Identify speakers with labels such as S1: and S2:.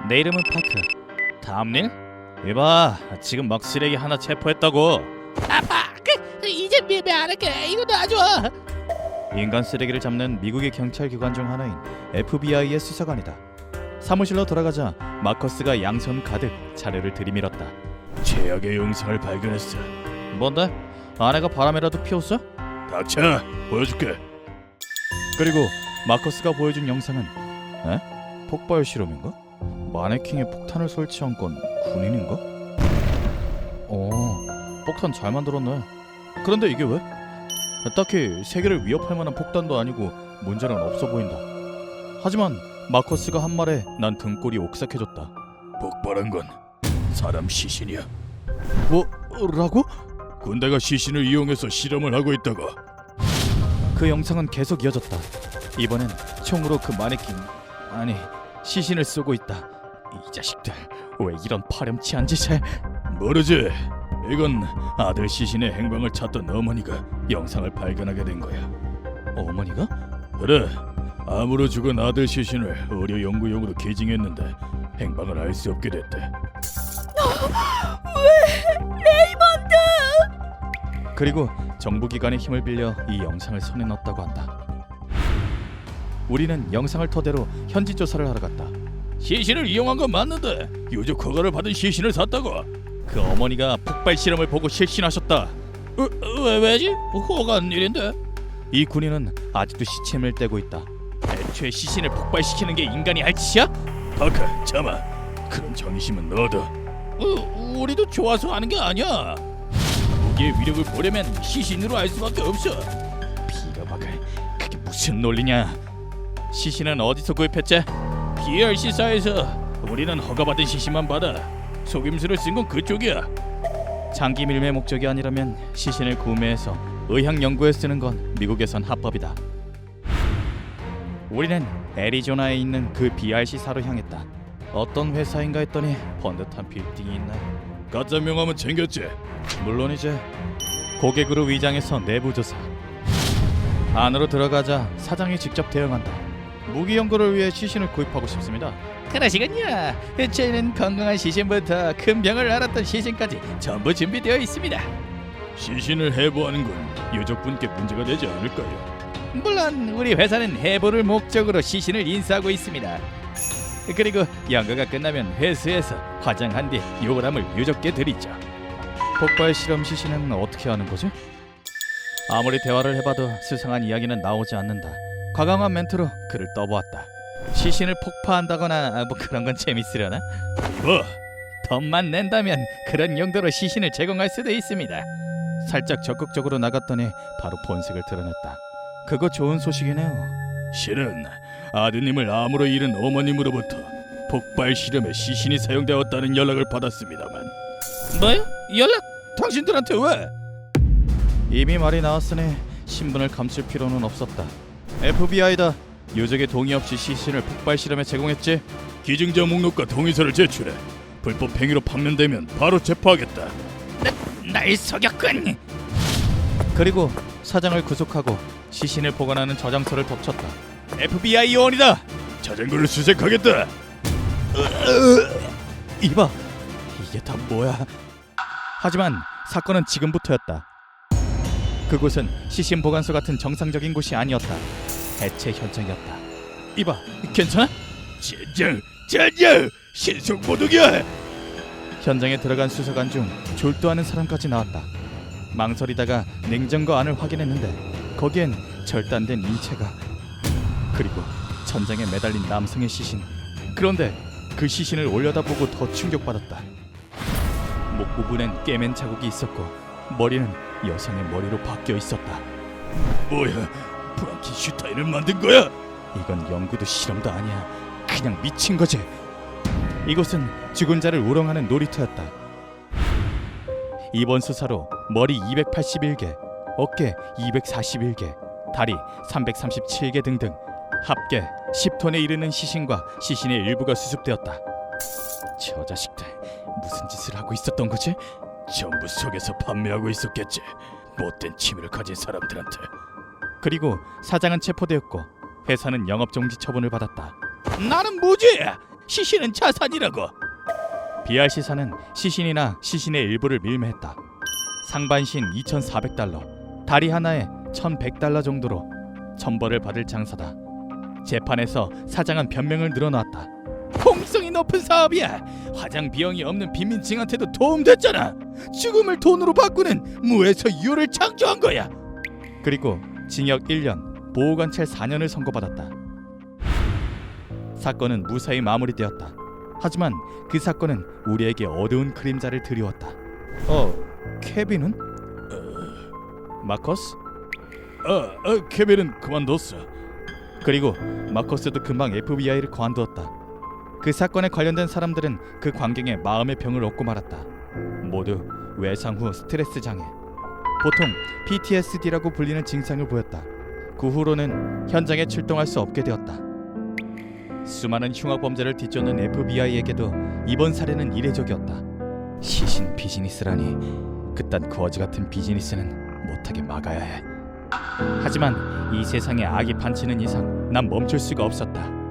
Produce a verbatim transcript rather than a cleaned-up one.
S1: 내 이름은 파크. 다음 일? 이봐, 지금 막 쓰레기 하나 체포했다고.
S2: 아빠, 그 이제 밀배 안 할게. 이거 놔줘.
S1: 인간 쓰레기를 잡는 미국의 경찰 기관 중 하나인 에프비아이의 수사관이다. 사무실로 돌아가자 마커스가 양손 가득 자료를 들이밀었다.
S3: 최악의 영상을 발견했어.
S1: 뭔데? 아내가 바람이라도 피웠어?
S3: 닥쳐, 보여줄게.
S1: 그리고 마커스가 보여준 영상은 에? 폭발 실험인가? 마네킹에 폭탄을 설치한 건 군인인가? 어, 폭탄 잘 만들었네. 그런데 이게 왜? 딱히 세계를 위협할 만한 폭탄도 아니고 문제는 없어 보인다. 하지만 마커스가 한 말에 난 등골이 오싹해졌다.
S3: 폭발한 건 사람 시신이야.
S1: 뭐라고?
S3: 군대가 시신을 이용해서 실험을 하고 있다가.
S1: 그 영상은 계속 이어졌다. 이번엔 총으로 그 마네킹, 아니 시신을 쏘고 있다. 이 자식들 왜 이런 파렴치한 짓을?
S3: 모르지. 이건 아들 시신의 행방을 찾던 어머니가 영상을 발견하게 된 거야.
S1: 어머니가?
S3: 그래, 암으로 죽은 아들 시신을 의료 연구용으로 기증했는데 행방을 알 수 없게 됐대.
S2: 왜 레이먼드?
S1: 그리고 정부기관의 힘을 빌려 이 영상을 손에 넣었다고 한다. 우리는 영상을 토대로 현지 조사를 하러 갔다.
S3: 시신을 이용한 건 맞는데 유족 허가를 받은 시신을 샀다고.
S1: 그 어머니가 폭발 실험을 보고 실신하셨다.
S3: 어, 왜 왜지? 허가한 일인데.
S1: 이 군인은 아직도 시침을 떼고 있다. 애초에 시신을 폭발시키는 게 인간이 할 짓이야?
S3: 파카, 참아. 그런 정의심은 너도.
S2: 어, 우리도 좋아서 하는 게 아니야.
S3: 무기의 위력을 보려면 시신으로 알 수밖에 없어.
S1: 비가박을, 그게 무슨 논리냐? 시신은 어디서 구입했지?
S3: 비알씨사에서. 우리는 허가받은 시신만 받아. 속임수를 쓴 건 그쪽이야.
S1: 장기 밀매 목적이 아니라면 시신을 구매해서 의학 연구에 쓰는 건 미국에선 합법이다. 우리는 애리조나에 있는 그 비알씨사로 향했다. 어떤 회사인가 했더니 번듯한 빌딩이 있네.
S3: 가짜 명함은 챙겼지?
S1: 물론이지. 고객으로 위장해서 내부 조사. 안으로 들어가자 사장이 직접 대응한다. 무기 연구를 위해 시신을 구입하고 싶습니다.
S2: 그러시군요. 저희는 건강한 시신부터 큰 병을 앓았던 시신까지 전부 준비되어 있습니다.
S3: 시신을 해부하는 건 유족분께 문제가 되지 않을까요?
S2: 물론 우리 회사는 해부를 목적으로 시신을 인수하고 있습니다. 그리고 연구가 끝나면 회수해서 화장한 뒤 요람을 유족께 드리죠.
S1: 폭발 실험 시신은 어떻게 하는 거지? 아무리 대화를 해봐도 수상한 이야기는 나오지 않는다. 과감한 멘트로 그를 떠보았다. 시신을 폭파한다거나 뭐 그런 건 재밌으려나?
S3: 뭐?
S2: 돈만 낸다면 그런 용도로 시신을 제공할 수도 있습니다.
S1: 살짝 적극적으로 나갔더니 바로 본색을 드러냈다. 그거 좋은 소식이네요.
S3: 실은 아드님을 암으로 잃은 어머님으로부터 폭발 실험에 시신이 사용되었다는 연락을 받았습니다만.
S2: 뭐요? 연락? 당신들한테 왜?
S1: 이미 말이 나왔으니 신분을 감출 필요는 없었다. 에프비아이다. 유족의 동의 없이 시신을 폭발 실험에 제공했지?
S3: 기증자 목록과 동의서를 제출해. 불법 행위로 판명되면 바로 체포하겠다.
S2: 날 속였군.
S1: 그리고 사장을 구속하고 시신을 보관하는 저장소를 덮쳤다. 에프비아이 요원이다.
S3: 자전거를 수색하겠다.
S1: 이봐, 이게 다 뭐야? 하지만 사건은 지금부터였다. 그곳은 시신 보관소 같은 정상적인 곳이 아니었다. 해체 현장이었다. 이봐, 괜찮아?
S3: 젠장, 젠장, 신속 모독이야.
S1: 현장에 들어간 수사관 중 졸도하는 사람까지 나왔다. 망설이다가 냉장고 안을 확인했는데 거기엔 절단된 인체가, 그리고 천장에 매달린 남성의 시신. 그런데 그 시신을 올려다보고 더 충격받았다. 목 부분엔 깨맨 자국이 있었고 머리는 여성의 머리로 바뀌어 있었다.
S3: 뭐야, 프랑켄슈타인을 만든 거야?
S1: 이건 연구도 실험도 아니야. 그냥 미친 거지. 이곳은 죽은 자를 우롱하는 놀이터였다. 이번 수사로 머리 이백팔십일 개, 어깨 이백사십일 개, 다리 삼백삼십칠 개 등등 합계 십 톤에 이르는 시신과 시신의 일부가 수습되었다. 저 자식들 무슨 짓을 하고 있었던 거지?
S3: 전부 속에서 판매하고 있었겠지. 못된 취미를 가진 사람들한테.
S1: 그리고 사장은 체포되었고 회사는 영업정지 처분을 받았다.
S2: 나는 뭐지? 시신은 자산이라고.
S1: 비알 시사는 시신이나 시신의 일부를 밀매했다. 상반신 이천사백 달러, 다리 하나에 천백 달러 정도로 천벌을 받을 장사다. 재판에서 사장은 변명을 늘어놓았다.
S2: 공성이 높은 사업이야. 화장 비용이 없는 빈민층한테도 도움됐잖아. 죽음을 돈으로 바꾸는 무에서 유를 창조한 거야.
S1: 그리고 징역 일 년, 보호관찰 사 년을 선고받았다. 사건은 무사히 마무리되었다. 하지만 그 사건은 우리에게 어두운 그림자를 드리웠다. 어, 케빈은? 마커스?
S3: 아, 아 케빈은 그만뒀어.
S1: 그리고 마커스도 금방 에프비아이를 관두었다. 그 사건에 관련된 사람들은 그 광경에 마음의 병을 얻고 말았다. 모두 외상 후 스트레스 장애, 보통 피티에스디라고 불리는 증상을 보였다. 그 후로는 현장에 출동할 수 없게 되었다. 수많은 흉악 범죄를 뒤쫓는 에프비아이에게도 이번 사례는 이례적이었다. 시신 비즈니스라니, 그딴 거지 같은 비즈니스는 못하게 막아야 해. 하지만 이 세상에 악이 판치는 이상 난 멈출 수가 없었다.